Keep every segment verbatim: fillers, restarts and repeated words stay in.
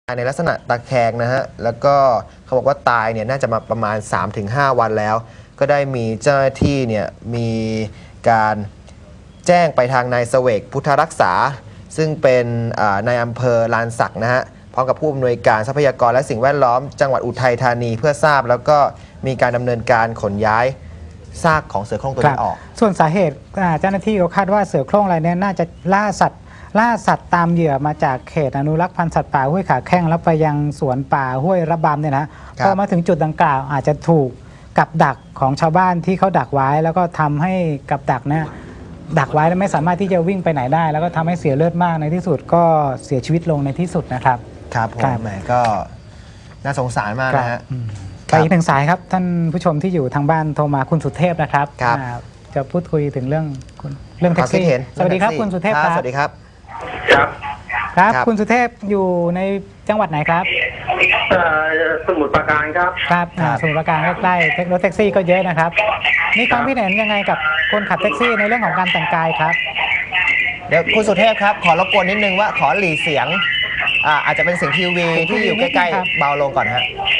ในลักษณะตะแคงนะฮะแล้วก็เขาบอกว่าตายเนี่ยน่าจะมาประมาณ สามถึงห้า วันแล้วก็ได้มีเจ้าหน้าที่เนี่ยมีการแจ้งไปทางนายเสวกพุทธรักษาซึ่งเป็นนายอำเภอลานสักนะฮะพร้อมกับผู้อำนวยการทรัพยากรและสิ่งแวดล้อมจังหวัดอุทัยธานีเพื่อทราบแล้วก็มีการดำเนินการขนย้ายซากของเสือโคร่งตัวนี้ออกส่วนสาเหตุเจ้าหน้าที่เขาคาดว่าเสือโคร่งรายนี้น่าจะล่าสัตว์ล่าสัตว์ตามเหยื่อมาจากเขตอนุรักษ์พันธุ์สัตว์ป่าห้วยขาแข้งแล้วไปยังสวนป่าห้วยระบำเนี่ยนะพอมาถึงจุดดังกล่าวอาจจะถูกกับดักของชาวบ้านที่เขาดักไว้แล้วก็ทำให้กับดักเนี่ยดักไว้แล้วไม่สามารถที่จะวิ่งไปไหนได้แล้วก็ทำให้เสียเลือดมากในที่สุดก็เสียชีวิตลงในที่สุดนะครับครับผมแหมก็น่าสงสารมากนะฮะไปอีกหนึ่งสายครับท่านผู้ชมที่อยู่ทางบ้านโทรมาคุณสุเทพนะครับจะพูดคุยถึงเรื่องเรื่องแท็กซี่สวัสดีครับคุณสุเทพครับสวัสดีครับครับครับคุณสุเทพอยู่ในจังหวัดไหนครับสมุทรปราการครับครับสมุทรปราการใกล้ๆรถแท็กซี่ก็เยอะนะครับนี่ความคิดเห็นยังไงกับคนขับแท็กซี่ในเรื่องของการแต่งกายครับเดี๋ยวคุณสุเทพครับขอรบกวนนิดนึงว่าขอหลีเสียงอ่าอาจจะเป็นเสียงทีวีที่อยู่ใกล้ๆเบาลงก่อนฮะ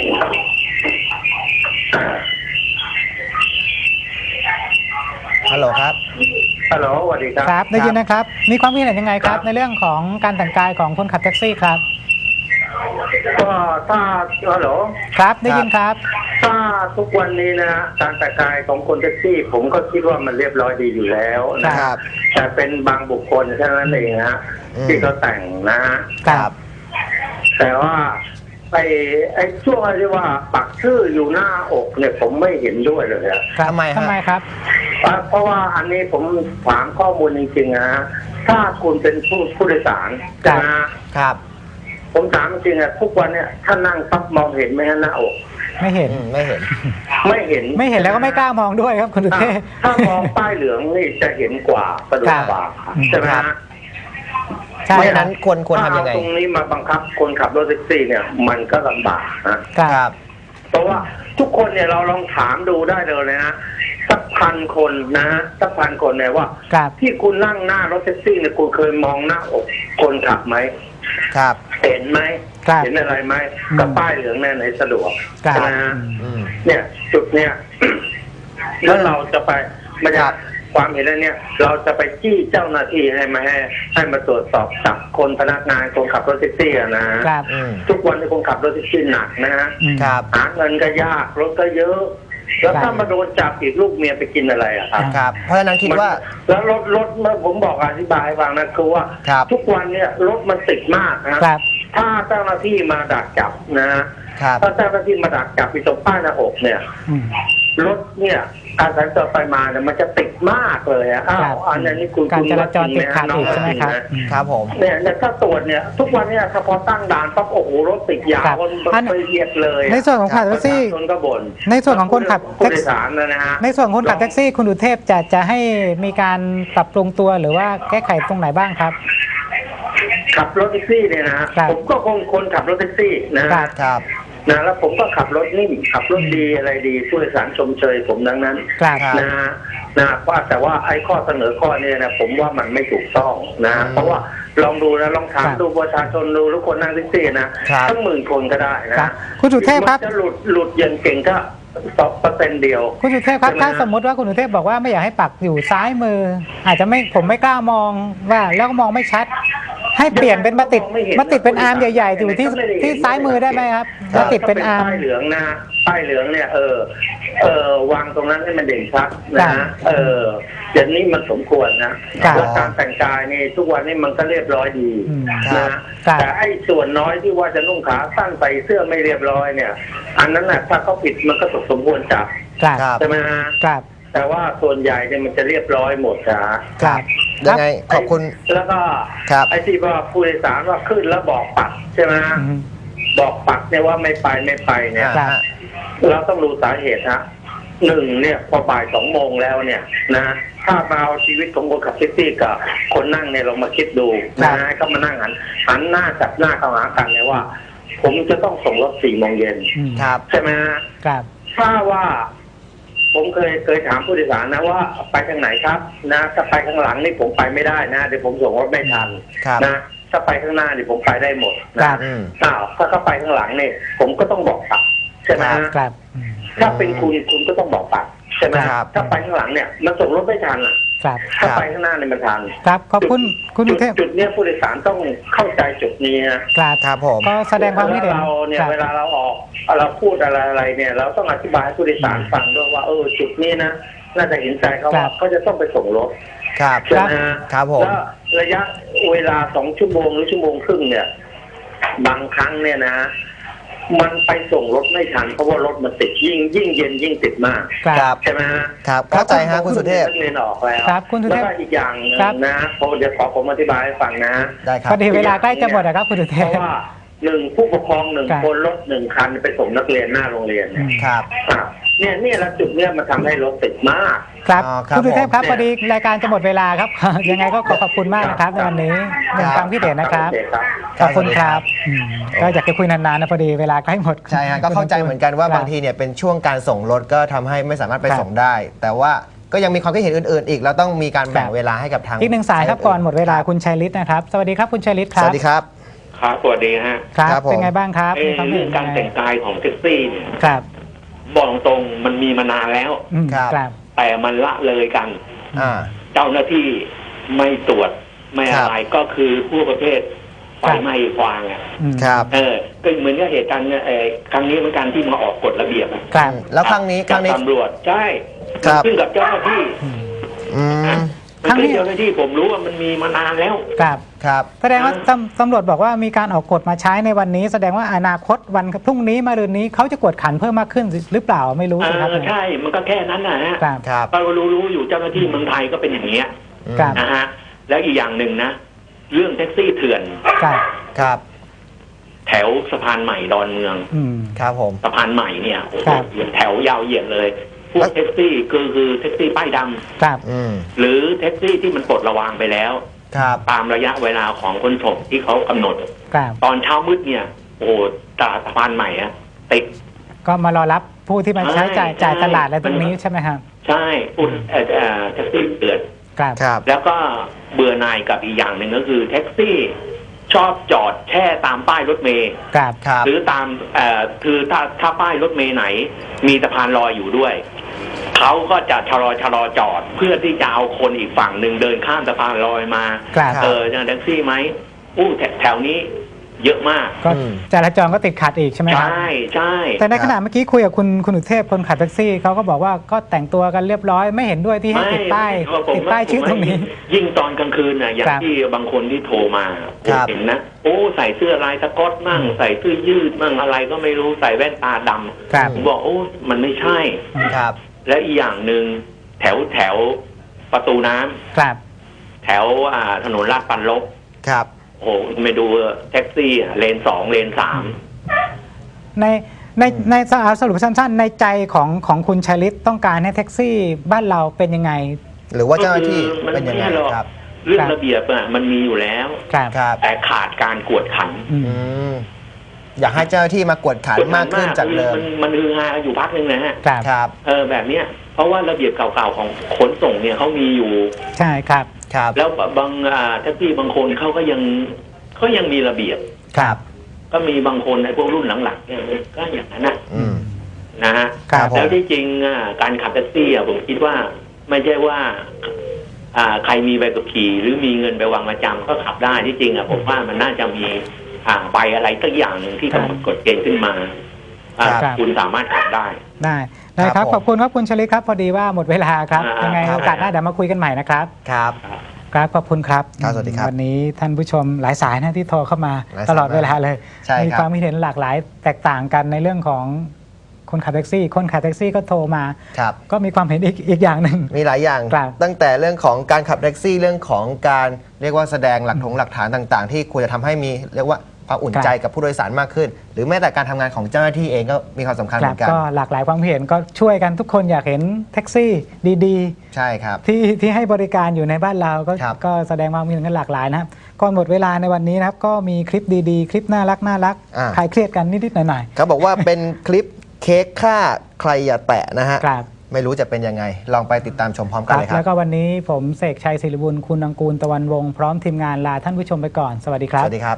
ฮัลโหลครับฮัลโหลสวัสดีครับครับได้ยินนะครับมีความคิดเห็นยังไงครับในเรื่องของการแต่งกายของคนขับแท็กซี่ครับก็ถ้าฮัลโหลครับได้ยินครับถ้าทุกวันนี้นะการแต่งกายของคนแท็กซี่ ผมก็คิดว่ามันเรียบร้อยดีอยู่แล้วนะครับแต่เป็นบางบุคคลแค่นั้นเองนะฮะที่เขาแต่งนะฮะครับแต่ว่าไอ้ไอ้ช่วงที่ว่าปักชื่ออยู่หน้าอกเนี่ยผมไม่เห็นด้วยเลยอะทำไมทำไมครับเพราะว่าอันนี้ผมถามข้อมูลจริงๆนะถ้าคุณเป็นผู้ผู้โดยสารนะครับผมถามจริงๆอะทุกวันเนี่ยถ้านั่งปั๊บมองเห็นไหมฮะหน้าอกไม่เห็นไม่เห็นไม่เห็นไม่เห็นแล้วก็ไม่กล้ามองด้วยครับคุณสุเทพถ้ามองป้ายเหลืองนี่จะเห็นกว่าสะดวกกว่าใช่ไหมฮะเพราะฉะนั้นควรควรทำยังไงตรงนี้มาบังคับคนขับรถแท็กซี่เนี่ยมันก็ลำบากนะครับเพราะว่าทุกคนเนี่ยเราลองถามดูได้เลยนะสักพันคนนะสักพันคนเนี่ยว่าที่คุณนั่งหน้ารถแท็กซี่เนี่ยคุณเคยมองหน้าอกคนขับไหมครับเห็นไหมเห็นอะไรไหมกับป้ายเหลืองแน่ไหนสะดวกนะเนี่ยจุดเนี่ยแล้วเราจะไปไม่ใช่ความเห็นแล้วเนี่ยเราจะไปจี้เจ้าหน้าที่ให้มาให้ให้มาตรวจสอบจับคนพนักงานคนขับรถแท็กซี่นะทุกวันที่คนขับรถแท็กซี่หนักนะฮะหาเงินก็ยากรถก็เยอะแล้วถ้ามาโดนจับอีกลูกเมียไปกินอะไรอ่ะครับครับเพราะฉะนั้นคิดว่าแล้วรถรถเมื่อผมบอกอธิบายให้ฟังนะคือว่าทุกวันเนี่ยรถมันติดมากนะถ้าเจ้าหน้าที่มาดักจับนะถ้าเจ้าหน้าที่มาดักจับไปตรงป้ายหน้าอกเนี่ยรถเนี่ยการสัญจรไปมาเนี่ยมันจะติดมากเลยอ่ะอ้าวอันนี้คุณการจราจรติดขัดอีกใช่ไหมครับครับผมเนี่ยถ้าตรวจเนี่ยทุกวันเนี่ยถ้าพอตั้งด่านปั๊บโอ้โหรถติดยาวมันไปเหยียดเลยในส่วนของขับแท็กซี่ในส่วนของคนขับแท็กซี่นะฮะในส่วนของคนขับแท็กซี่คุณอุเทพจะจะให้มีการปรับปรุงตัวหรือว่าแก้ไขตรงไหนบ้างครับขับรถแท็กซี่เนี่ยนะผมก็คงคนขับรถแท็กซี่นะครับนะแล้วผมก็ขับรถนิ่มขับรถดีอะไรดีผู้โดยสารชมเชยผมดังนั้นนะนะว่าแต่ว่าไอ้ข้อเสนอข้อนี้นะผมว่ามันไม่ถูกต้องนะเพราะว่าลองดูนะลองถามดูประชาชนดูทุกคนนั่งแท็กซี่นะทั้งหมื่นคนก็ได้นะคุณสุเทพครับจะหลุดหลุดอย่างเก่งก็สองเปอร์เซ็นต์เดียวคุณสุเทพครับถ้าสมมติว่าคุณสุเทพบอกว่าไม่อยากให้ปักอยู่ซ้ายมืออาจจะไม่ผมไม่กล้ามองว่าแล้วก็มองไม่ชัดให้เปลี่ยนเป็นมาติดมาติดเป็นอาร์มใหญ่ๆอยู่ที่ที่ซ้ายมือได้ไหมครับมาติดเป็นอาร์มป้ายเหลืองนะป้ายเหลืองเนี่ยเออเออวางตรงนั้นให้มันเด่นชัดนะเอออย่างนี้มันสมควรนะแล้วการแต่งกายนี่ทุกวันนี้มันก็เรียบร้อยดีนะแต่ไอ้ส่วนน้อยที่ว่าจะนุ่งขาสั้นใส่เสื้อไม่เรียบร้อยเนี่ยอันนั้นแหละถ้าเขาผิดมันก็สมควรจับใช่ไหมฮะแต่ว่าส่วนใหญ่เนี่ยมันจะเรียบร้อยหมดนะครับยังไงขอบคุณแล้วก็ไอ้ที่ว่าผู้โดยสารว่าขึ้นแล้วบอกปักใช่ไหมบอกปักเนี่ยว่าไม่ไปไม่ไปเนี่ยเราต้องรู้สาเหตุฮะหนึ่งเนี่ยพอบ่ายสองโมงแล้วเนี่ยนะถ้ามาเอาชีวิตของคนขับแท็กซี่กับคนนั่งเนี่ยเรามาคิดดูนะให้เขามานั่งหันหันหน้าจับหน้าเข้าหากันเนี่ยว่าผมจะต้องส่งรถสี่โมงเย็นใช่ไหมครับถ้าว่าผมเคยเคยถามผู้โดยสารนะว่าไปทางไหนครับนะถ้าไปข้างหลังนี่ผมไปไม่ได้นะเดี๋ยวผมส่งรถไม่ทันนะถ้าไปข้างหน้าเนี่ยผมไปได้หมดครันะบอืมอ้าวถ้าเขาไปข้างหลังเนี่ยผมก็ต้องบอกปัดใช่ไหมฮะครับอืมถ้าเป็นคุณคุณก็ต้องบอกปัดใช่ไหมครับถ้าไปข้างหลังเนี่ยมันส่งรถไม่ทันอ่ะครับถ้าไปข้างหน้าเนี่ยมันทันครับขอบคุณคุณจุอุดเทพจุดเนี้ยผู้โดยสารต้องเข้าใจจุดนี้นะครับครับผมก็แสดงความคิดเห็นเราเนี่ยครับเวลาเราออกเราพูดอะไรอะไรเนี่ย เราต้องอธิบายให้ผู้โดยสารฟังด้วยว่าเออจุดนี้นะน่าจะเห็นใจเขาครัว่าบเขาจะต้องไปส่งรถครับใช่ไหมฮะครับผมแล้วระยะเวลาสองชั่วโมงหรือชั่วโมงครึ่งเนี่ย บางครั้งเนี่ยนะ มันไปส่งรถไม่ทันเพราะว่ารถมันติดยิ่งยิ่งเย็นยิ่งติดมากครับใช่ไหมฮะครับเข้าใจฮะคุณสุเทพนักเรียนออกแล้วครับคุณสุเทพแล้วก็อีกอย่างหนึ่งครับนะผมเดี๋ยวขอผมอธิบายให้ฟังนะได้ครัพบอดีเวลาใกล้จะหมดนะครับคุณอุเทเพพราะว่าหนึ่งผู้ปกครองหนึ่งครับคนรถหนึ่งคันไปส่งนักเรียนหน้าโรงเรียนเนี่ยครับอ่ะเนี่ยเนี่ยแล้วจุดเนี่ยมันทำให้รถติดมากครับอ๋อครับคุณสุเทพครับผมพอดีรายการจะหมดเวลาครับ ยังไงก็ขอขอบคุณมากนะครับในวันนี้หนึ่งความคิดเห็นนะครับโอเคครับขอบคุณครับอืมก็อยากจะคุยนานๆนะพอดีเวลาใกล้หมดใช่ฮะก็เข้าใจเหมือนกันว่าครับบางทีเนี่ยเป็นช่วงการส่งรถก็ทำให้ไม่สามารถไปครับส่งได้ แต่ว่าก็ยังมีความคิดเห็นอื่นๆ อีกเราต้องมีการแบ่งครับเวลาให้กับทางอีกหนึ่งสายครับก่อนหมดเวลาคุณชัยฤทธิ์นะครับสวัสดีครับคุณชัยฤทธิ์คสรับวัสดีครับครับสวัสดีฮะครับครับผมเป็นไงบ้างครับเอ่อมีความคิดเรื่อเห็งนการยังไงแต่งกายของแท็กซี่เนี่ยครับบอกตรงมันมีมานานแล้วอืมครับครับแต่มันละเลยกันอ่าเจ้าหน้าที่ไม่ตรวจไม่ครัอะบไรก็คือผู้ประเภทไฟครับไหม้ฟางอ่ะอืมครับเออก็เหมือนกับเหตุการณ์เนี่ยเอ่อครั้งนี้เหมือนกันที่มาออกกฎระเบียบอะครับแล้วครั้งนี้ครั้งนี้จากตำรวจใช่ครับขึ้นกับเจ้าหน้าที่อืมอืมมันครั้งนี้เป็นเจ้าหน้าที่ผมรู้ว่ามันมีมานานแล้วครับครับแสดงว่าตำตำรวจบอกว่ามีการออกกฎมาใช้ในวันนี้ แสดงว่าอนาคตวันพรุ่งนี้มะรืนนี้เขาจะกวดขันเพิ่มมากขึ้นหรือเปล่าไม่รู้เอสิครับอใช่มันก็แค่นั้นนะฮะครับครับเรารู้รู้อยู่เจ้าหน้าที่เมืองไทยก็เป็นอย่างนี้ยครับนะฮะแล้วอีกอย่างหนึ่งนะ เรื่องแท็กซี่เถื่อนครับครับแถวสะพานใหม่ดอนเมืองอืมครับผมสะพานใหม่เนี่ยโอ้โหครับแถวยาวเหยียดเลย พวกแท็กซี่คือคือแท็กซี่ป้ายดำครับอืมหรือแท็กซี่ที่มันปลดระวางไปแล้วครับตามระยะเวลาของคนส่งที่เขากำหนดครับตอนเช้ามืดเนี่ย โอ้โหตลาดสะพานใหม่อะติดก็มารอรับผู้ที่มาใช้จ่ายใช่จ่ายตลาดอะไรตรงนี้ใช่ไหมครับใช่พูดเอ่อเอ่อแท็กซี่เถื่อนครับครับแล้วก็เบื่อหน่ายกับอีกอย่างหนึ่งก็คือแท็กซี่ชอบจอดแช่ตามป้ายรถเมล์ครับครับหรือตามเอ่อคือถ้าถ้าป้ายรถเมล์ไหน มีสะพานลอยอยู่ด้วยเขาก็จะชะลอชะลอจอด เพื่อที่จะเอาคนอีกฝั่งหนึ่งเดินข้ามสะพานลอยมาครับเออจะแท็กซี่ไหมอู้แถแถวนี้เยอะมากก็อืมจราจรก็ติดขัดอีกใช่ไหมครับใช่ใช่แต่ในขณะเมื่อกี้คุยกับคุณคุณอุเทพคนขับแท็กซี่เขาก็บอกว่าก็แต่งตัวกันเรียบร้อยไม่เห็นด้วยที่ให้ติดป้ายไม่ผมติดป้ายชื่อตรงนี้ยิ่งตอนกลางคืนน่ะอย่างครับที่บางคนที่โทรมาผมครับเห็นนะโอ้ใส่เสื้อลายสก๊อตมั่งใส่เสื้อยืดมั่งอะไรก็ไม่รู้ใส่แว่นตาดำครับผมบอกโอ้มันไม่ใช่ครับและอีกอย่างหนึ่งแถวแถวประตูน้ำครับแถวอ่าถนนลาดปันลบครับโอ้โหไม่ดูแท็กซี่อ่ะเลนสองเลนสามในในในสรุปสั้นๆ ในใจของของคุณชัยฤทธิ์ต้องการให้แท็กซี่บ้านเราเป็นยังไงหรือว่าเจ้าหน้าที่ก็คือมันเป็นยังไงไม่หรอกครับเรื่องครับระเบียบอ่ะมันมีอยู่แล้วครับครับแต่ขาดการกวดขันอืมอืมอยากให้เจ้าหน้าที่มากวดขันมากขึ้นจากเดิมมันมันฮือฮาอยู่พักหนึ่งนะฮะครับครับเออแบบเนี้ยเพราะว่าระเบียบเก่าๆของขนส่งเนี่ยเขามีอยู่ใช่ครับครับแล้วบางอ่าแท็กซี่บางคนเขาก็ยังเขายังมีระเบียบครับก็มีบางคนในพวกรุ่นหลังๆเนี่ยก็อย่างนั้นนะอืมนะฮะครับแล้วที่จริงอ่ะการขับแท็กซี่อ่ะผมคิดว่าไม่ใช่ว่า อ่าใครมีใบขับขี่หรือมีเงินไปวางประจำก็ขับได้ที่จริงอ่ะผมว่ามันน่าจะมีอ่าใบอะไรสักอย่างหนึ่งที่กำหนดกฎเกณฑ์ขึ้นมาอ่าครับคุณสามารถขับได้ได้ได้คครัรับบ ผมขอบคุณครับคุณชัยฤทธิ์ครับพอดีว่าหมดเวลาครับอ่ายัยังไงครับโอกาสหน้าเดี๋ยวมาคุยกันใหม่นะครับครับครับขอบคุณครับครับสวัสดีครับวันนี้ท่านผู้ชมหลายสายนะที่โทรเข้ามาหลายสายตลอดเวลาเลยใช่ครับมีความคิดเห็นหลากหลายแตกต่างกันในเรื่องของคนขับแท็กซี่ คนขับแท็กซี่ก็โทรมาครับก็มีความเห็นอีกอีกอย่างหนึ่งมีหลายอย่างครับตั้งแต่เรื่องของการขับแท็กซี่เรื่องของการเรียกว่าแสดงหลักฐงหลักฐานต่างๆ ที่ควรจะทำให้มีเรียกว่าความอุ่นใจกับผู้โดยสารมากขึ้น หรือแม้แต่การทำงานของเจ้าหน้าที่เองก็มีความสำคัญคเหรัมืบอนกันก็หลากหลายความเห็นก็ช่วยกันทุกคนอยากเห็นแท็กซี่ดีใช่ครับๆ ที่ที่ให้บริการอยู่ในบ้านเราก็ครับก็แสดงความคิดเห็นกันหลากหลายนะครับก่อนหมดเวลาในวันนี้นะครับก็มีคลิปดีๆ คลิปน่ารักน่ารักอ่าคลายเครียดกันนิดๆหน่อยเขาบอกว่าเป็นคลิปเค้กค่าใครอย่าแตะนะฮะๆครับไม่รู้จะเป็นยังไง ลองไปติดตามชมพร้อมกันเลยครัแล้บวก็วันนี้ผมเสกชัยศิริบุญคุณอังกูลตะวันวงศ์พร้อมทีมงานลาท่านผู้ชมไปก่อนสวัสดีครัสบวัสดีครับ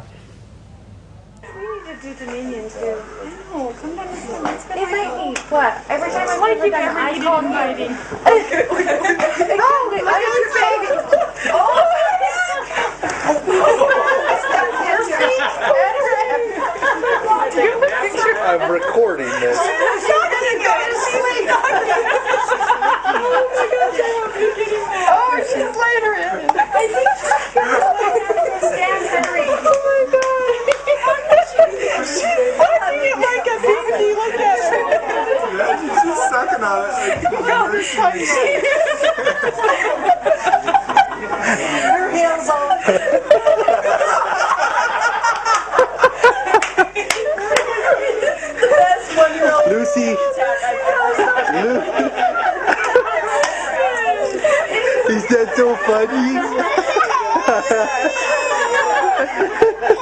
do Dominion too. No, sometimes it's been It might be. What? Every time I want to keep I call fighting. Oh, wait, I was saving. I'm recording this. Oh, she's later in. I think Stan Henry. Oh my god. She's watching it like a baby. Look at her. She's just sucking on it. Her hands all. That's one year old. Lucy. Lu- Is that so funny?